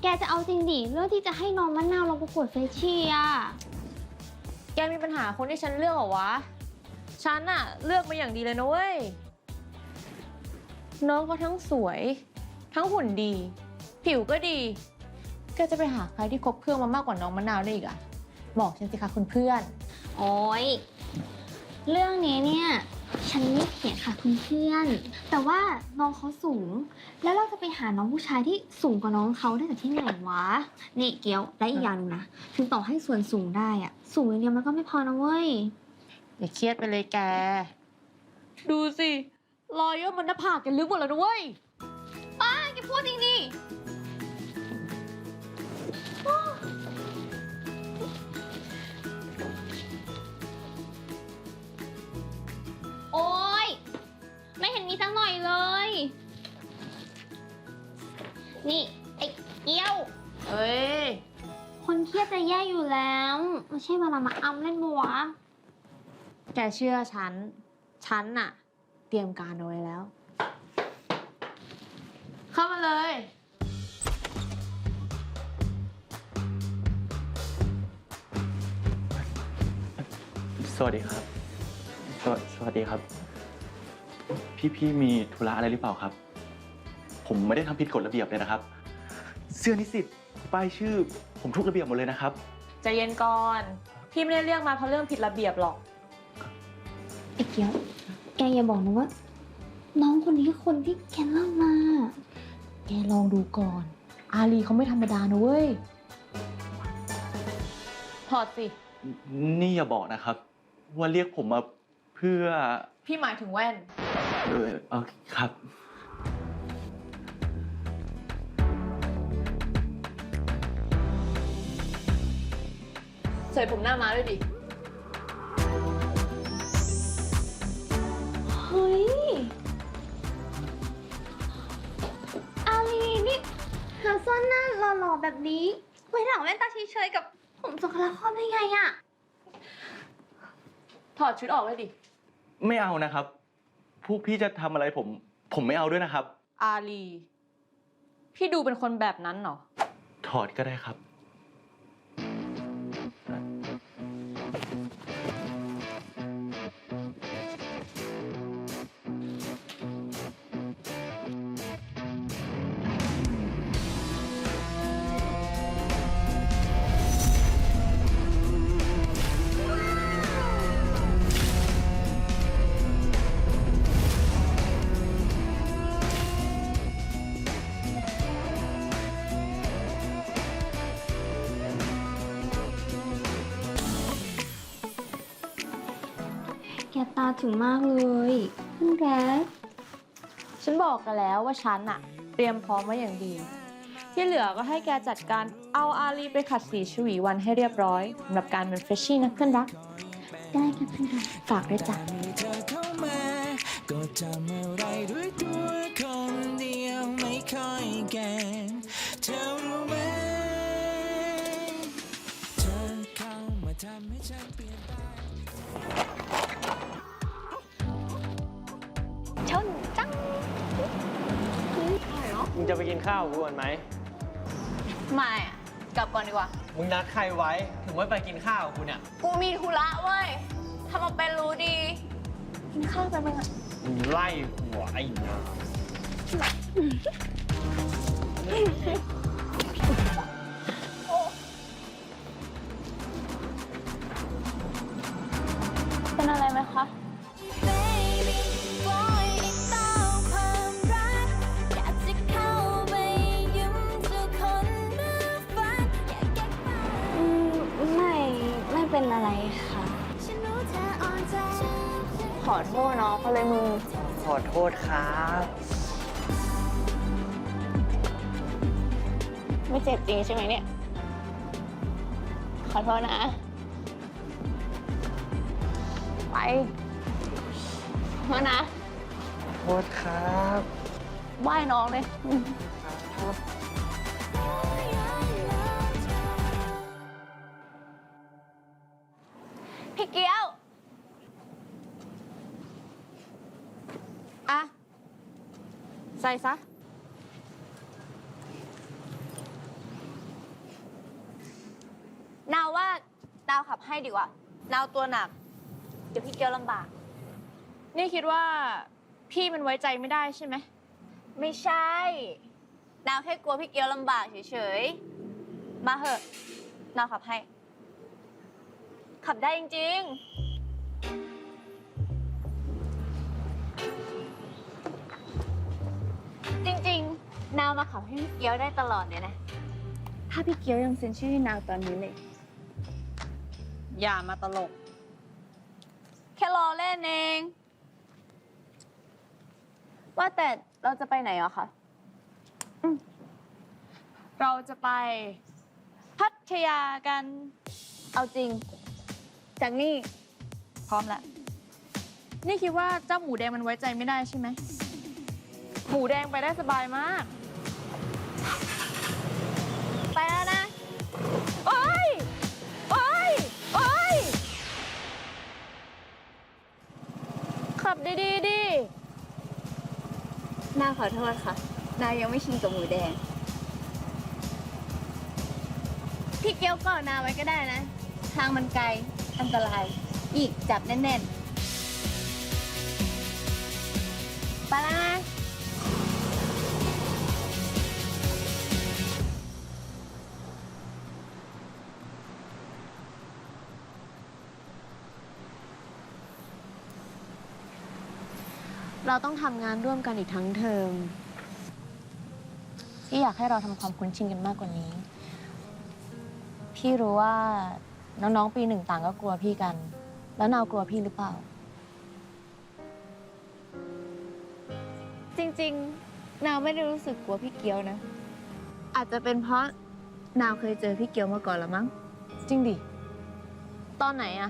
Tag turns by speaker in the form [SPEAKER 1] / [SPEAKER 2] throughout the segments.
[SPEAKER 1] จะเอาจริงดิเรื่องที่จะให้น้องมะนาวลงประกวดเฟชชี่อะ
[SPEAKER 2] แกมีปัญหาคนที่ฉันเลือกเหรอวะฉันอะเลือกมาอย่างดีเลยนะเว้ยน้องเขาทั้งสวยทั้งหุ่นดีผิวก็ดีแกจะไปหาใครที่ครบเครื่องมามากกว่าน้องมะนาวได้อีกอะบอกฉันสิคะคุณเพื่อน
[SPEAKER 1] โอ้ยเรื่องนี้เนี่ยฉันไม่เขียนค่ะคุณเพื่อนแต่ว่าน้องเขาสูงแล้วเราจะไปหาน้องผู้ชายที่สูงกว่าน้องเขาได้จากที่ไหนวะนี่เกียวและอีกอย่างนึงนะถึงต่อให้ส่วนสูงได้อะสูงอย่างเดียวมันก็ไม่พอนะเว้ย
[SPEAKER 2] อย่าเครียดไปเลยแกดูสิรอยย่นบนหน้าผากแกลึกหมดแล้วนะเว้ย
[SPEAKER 1] ป้าแกพูดจริงดิโอ๊ยไม่เห็นมีสักหน่อยเลยนี่ไอ้เกี้ยว
[SPEAKER 2] เฮ้ย
[SPEAKER 1] คนเครียดจะแย่อยู่แล้วไม่ใช่เวลามาอำเล่นมัว
[SPEAKER 2] แกเชื่อฉันน่ะเตรียมการเอาไว้แล้ว เข้ามาเลย
[SPEAKER 3] สวัสดีครับสวัสดีครับ พี่มีธุระอะไรหรือเปล่าครับ ผมไม่ได้ทำผิดกฎระเบียบเลยนะครับ เสื้อนิสิตป้ายชื่อผมทุกระเบียบหมดเลยนะครับ
[SPEAKER 2] ใจเย็นก่อน พี่ไม่ได้เรียกมาเพราะเรื่องผิดระเบียบหรอก
[SPEAKER 1] ไอ้เกี้ยวแกอย่าบอกนะว่าน้องคนนี้คือคนที่แกเล่ามา
[SPEAKER 2] แกลองดูก่อน อาลีเขาไม่ธรรมดานะเว้ยถอดสิ
[SPEAKER 3] นี่อย่าบอกนะครับ ว่าเรียกผมมาเพื่อ
[SPEAKER 2] พี่หมายถึงแว่น
[SPEAKER 3] ครับ
[SPEAKER 2] ใส่ผมหน้าม้าด้วยดิ
[SPEAKER 1] เฮ้ยอาลีนี่หาซ่อนหน้าหล่อๆแบบนี้ไว้หลังแว่นตาเฉยๆกับผมสกลาครได้ไงอะ
[SPEAKER 2] ถอดชุดออกเลยดิ
[SPEAKER 3] ไม่เอานะครับ พวกพี่จะทำอะไรผมไม่เอาด้วยนะครับ
[SPEAKER 2] อาลี พี่ดูเป็นคนแบบนั้นเหรอ
[SPEAKER 3] ถอดก็ได้ครับ
[SPEAKER 1] แกตาถึงมากเลยคุณแก
[SPEAKER 2] ฉันบอกกันแล้วว่าฉันอะเตรียมพร้อมไว้อย่างดี ที่เหลือก็ให้แกจัดการเอาอาลีไปขัดสีชวีวันให้เรียบร้อยสำหรับการเป็นเฟรชชี่นะเพื่อนรัก
[SPEAKER 1] ได้ค่ะเพื่อนรัก
[SPEAKER 2] ฝากด้วยจ้ะ
[SPEAKER 4] ก็ทำอะไรด้วยตัวคนเดียวไม่ค่อยเก่งเธอรู้ไหมเธอเข้ามาทำให้ฉันเปลี่ยนไป
[SPEAKER 1] ชนจัง
[SPEAKER 5] มึงจะไปกินข้าวกูก่อนไหม
[SPEAKER 2] ไม่อะกลับก่อนดีกว่า
[SPEAKER 5] มึงนัดใครไว้ ถึงไม่ไปกินข้าวกับกูเนี่ย
[SPEAKER 2] กูมีธุระเว้ยทำมาเป็นรู้ดี
[SPEAKER 1] กินข้าวไปมั้งอะ
[SPEAKER 5] มึงไล่หัวไอ้นา
[SPEAKER 1] เป็นอะไรไหมคะไม่เป็นอะไรค่ะขอโทษเนาะเขาเลยมึง
[SPEAKER 5] ขอโทษครับ
[SPEAKER 1] ไม่เจ็บจริงใช่ไหมเนี่ยขอโทษนะไปขอโทษนะ
[SPEAKER 5] โทษครับ
[SPEAKER 1] ไหว้น้องเลยพี่เกี้ยว
[SPEAKER 2] อะใส่ซะ
[SPEAKER 6] ว่านาวขับให้ดีกว่า นาวตัวหนัก เดี๋ยวพี่เกียวลำบาก
[SPEAKER 2] นี่คิดว่าพี่มันไว้ใจไม่ได้ใช่ไหม
[SPEAKER 6] ไม่ใช่ นาวแค่กลัวพี่เกียวลำบากเฉยๆ มาเหอะ นาวขับให้ ขับได้จริงๆ จริงๆ นาวมาขับให้พี่เกียวได้ตลอดเลยนะ ถ้าพี่เกียวยังเซ็นชื่อให้นาวตอนนี้เลย
[SPEAKER 2] อย่ามาตลก
[SPEAKER 6] แค่รอเล่นเอง ว่าแต่เราจะไปไหนอ่ะคะ
[SPEAKER 2] เราจะไปพัทยากัน
[SPEAKER 6] เอาจริง จากนี่
[SPEAKER 2] พร้อมแล้ว นี่คิดว่าเจ้าหมูแดงมันไว้ใจไม่ได้ใช่ไหม หมูแดงไปได้สบายมาก
[SPEAKER 6] ไปแล้วนะ
[SPEAKER 2] โอ๊ย โอ๊ย โอ๊ย ขับดีๆดิ
[SPEAKER 6] นาวขอโทษค่ะ นาวยังไม่ชินกับหมูแดง พี่เกียวก่อนนาวไว้ก็ได้นะ ทางมันไกล อันตราย อีกจับแน่นๆ ไปแล้วนะ
[SPEAKER 2] เราต้องทำงานร่วมกันอีกทั้งเทอมพี่อยากให้เราทำความคุ้นชินกันมากกว่านี้ พี่รู้ว่าน้องๆปีหนึ่งต่างก็กลัวพี่กัน แล้วนาวกลัวพี่หรือเปล่า
[SPEAKER 6] จริงๆ นาวไม่ได้รู้สึกกลัวพี่เกียวนะ อาจจะเป็นเพราะนาวเคยเจอพี่เกียวมาก่อนละมั้ง
[SPEAKER 2] จริงดิ ตอนไหนอะ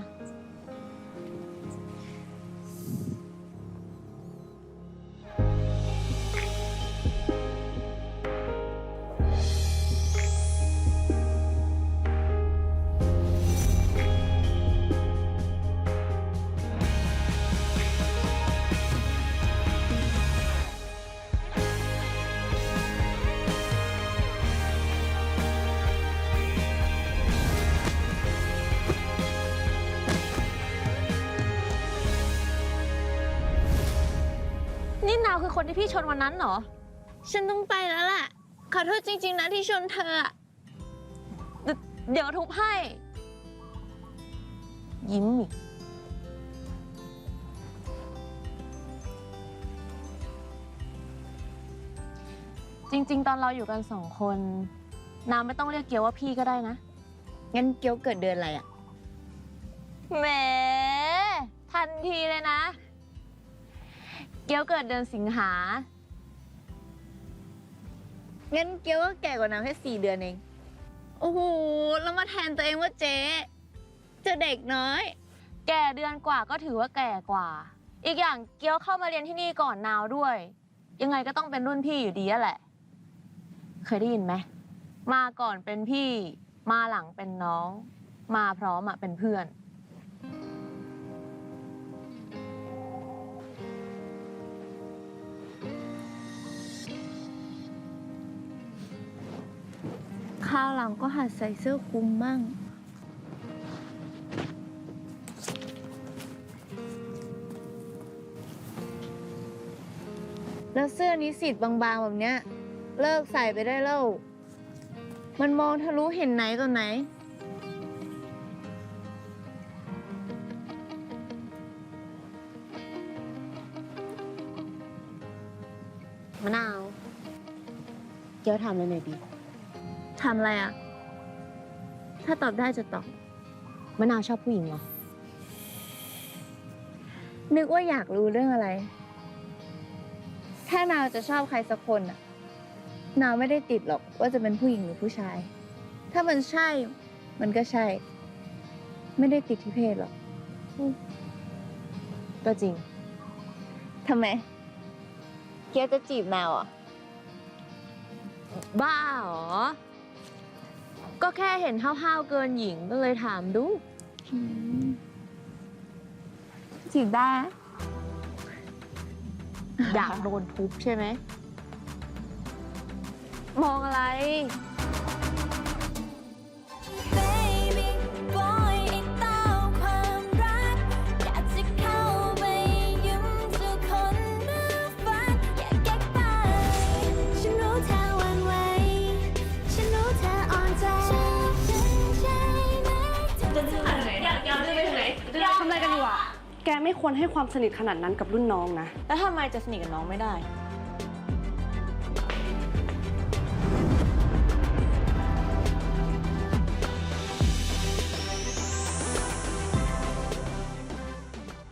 [SPEAKER 2] นี่นาวคือคนที่พี่ชนวันนั้นเหรอ
[SPEAKER 6] ฉันต้องไปแล้วล่ะ ขอโทษจริง ๆ นะที่ชนเธออะ
[SPEAKER 2] เดี๋ยวทุบให้ ยิ้มอีก จริง ๆ ตอนเราอยู่กันสองคน นาวไม่ต้องเรียกเกียวว่าพี่ก็ได้นะ
[SPEAKER 6] งั้นเกียวเกิดเดือนอะไรอะ
[SPEAKER 2] แหม ทันทีเลยนะ เกียวเกิดเดือนสิงหา
[SPEAKER 6] งั้นเกียวก็แก่กว่านาวแค่4 เดือนเอง โอ้โห แล้วมาแทนตัวเองว่าเจ๊เจะเด็กน้อย
[SPEAKER 2] แก่เดือนกว่าก็ถือว่าแก่กว่า อีกอย่างเกียวเข้ามาเรียนที่นี่ก่อนนาวด้วย ยังไงก็ต้องเป็นรุ่นพี่อยู่ดีอะแหละ เคยได้ยินไหม มาก่อนเป็นพี่ มาหลังเป็นน้อง มาพร้อมอะเป็นเพื่อน
[SPEAKER 6] คราวหลังก็หัดใส่เสื้อคลุมมั่ง แล้วเสื้อนิสิตบางๆแบบเนี้ย เลิกใส่ไปได้แล้ว มันมองทะลุเห็นไหนต่อไหน
[SPEAKER 2] มะนาว เกียวถามเลยหน่อยดิ
[SPEAKER 6] ทำอะไรอ่ะ ถ้าตอบได้จะตอบ
[SPEAKER 2] มะนาวชอบผู้หญิงเหรอ
[SPEAKER 6] นึกว่าอยากรู้เรื่องอะไร ถ้านาวจะชอบใครสักคนน่ะ นาวไม่ได้ติดหรอกว่าจะเป็นผู้หญิงหรือผู้ชาย ถ้ามันใช่ มันก็ใช่ ไม่ได้ติดที่เพศหรอก
[SPEAKER 2] ก็จริง
[SPEAKER 6] ทำไม เกียวจะจีบนาวอ่ะ
[SPEAKER 2] บ้าเหรอ ก็แค่เห็นห้าวๆเกินหญิงก็เลยถามดู
[SPEAKER 6] จีบได้
[SPEAKER 2] อยากโดนทุบใช่ไหม มองอะไร
[SPEAKER 7] Baby ไม่ควรให้ความสนิทขนาดนั้นกับรุ่นน้องนะ
[SPEAKER 2] แล้วทำไมจะสนิทกับน้องไม่ได้